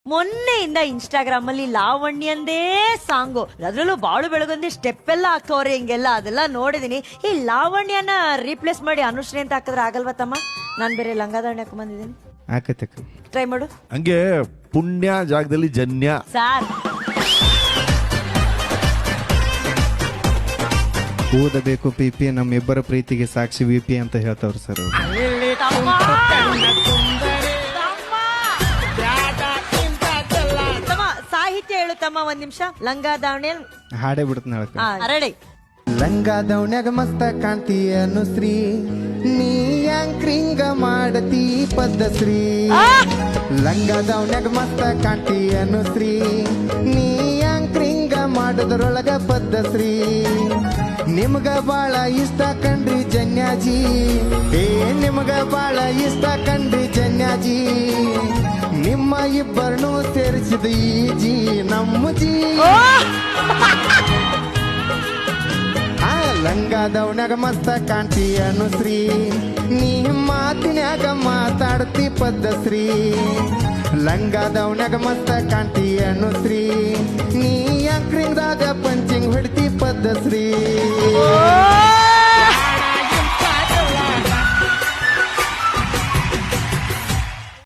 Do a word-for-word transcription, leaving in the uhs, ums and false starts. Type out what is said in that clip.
ಮೊನ್ನೆಯಿಂದ Instagram ಅಲ್ಲಿ ಲಾವಣ್ಯಂದೇ song, ಅದ್ರಲ್ಲೂ ಬಾಳು ಬೆಳಗೊಂದಿ ಸ್ಟೆಪ್ ಎಲ್ಲ ಹಾಕೋರೆ ಹಿಂಗೆಲ್ಲ, ಅದೆಲ್ಲ ನೋಡಿದೀನಿ. ಈ ಲಾವಣ್ಯನ ರೀಪ್ಲೇಸ್ ಮಾಡಿ ಅನುಶ್ರೀ ಅಂತ ಹಾಕಿದ್ರೆ ಆಗಲ್ವಾ ತಮ್ಮ? ನಾನ್ ಬೇರೆ ಲಂಗಾದಾವಣಿ ಹಾಕೊಂಡ್ ಬಂದಿದ್ದೀನಿ, ಆಕತಕ್ಕ ಟ್ರೈ ಮಾಡು. ಹಂಗೆ ಪುಣ್ಯ ಜಾಗದಲ್ಲಿ ಜನ್ಯ. ಸಾರ್ ಓದಬೇಕು ಪಿ ಪಿ ನಮ್ಮಿಬ್ಬರ ಪ್ರೀತಿಗೆ ಸಾಕ್ಷಿ ವಿ ಪಿ ಅಂತ ಹೇಳ್ತಾವ್ರು ಸರ್ ಅವ್ರು. ತಮ್ಮ ಸಾಹಿತ್ಯ ಹೇಳು ತಮ್ಮ, ಒಂದ್ ನಿಮಿಷ. ಲಂಗಾದಾವಣಿ ಹಾಡೇ ಬಿಡ್ತಾನೆ ಹೇಳಕ್ಕ. ರೆಡಿ. ಲಂಗಾದವನ್ಯಾಗ ಮಸ್ತ ಕಾಣ್ತಿ ಅನುಶ್ರೀ, ನೀ ಯಾಂಕ್ರಿಂಗ ಮಾಡತಿ ಪದ್ಧಶ್ರೀ. ಲಂಗಾದವನ್ಯಾಗ ಮಸ್ತ ಕಾಣ್ತಿ ಅನುಶ್ರೀ, ನೀ ಯಾಂಕ್ರಿಂಗ ಮಾಡೋದ್ರೊಳಗ ಪದ್ಧಶ್ರೀ. ನಿಮ್ಗ ಬಾಳ ಇಷ್ಟ ಕಂಡ್ರಿ ಜನ್ಯಾಜಿ, ಏ ನಿಮ್ಗ ಬಾಳ ಇಷ್ಟ ಕಂಡ್ರಿ ಜನ್ಯಾಜಿ. ನಿಮ್ಮ ಇಬ್ಬರನ್ನು ಸೇರಿಸಿದ ಈ ಜಿ ನಮ್ಮ ಜಿ. ಲಂಗಾದವನ್ಯಾಗ ಮಸ್ತ ಕಾಣ್ತಿ ಅನುಶ್ರೀ, ನೀ ಮಾತಿನ್ಯಾಗ ಮಾತಾಡ್ತಿ ಪದ್ಧಶ್ರೀ. ಲಂಗಾದವನ್ಯಾಗ ಮಸ್ತ ಕಾಣ್ತಿ ಅನುಶ್ರೀ, ನೀ ಅಂಕ್ರಿಂಗ್ದಾಗ ಪಂಚಿಂಗ್ ಹೊಡ್ತಿ ಪದ್ಧಶ್ರೀ.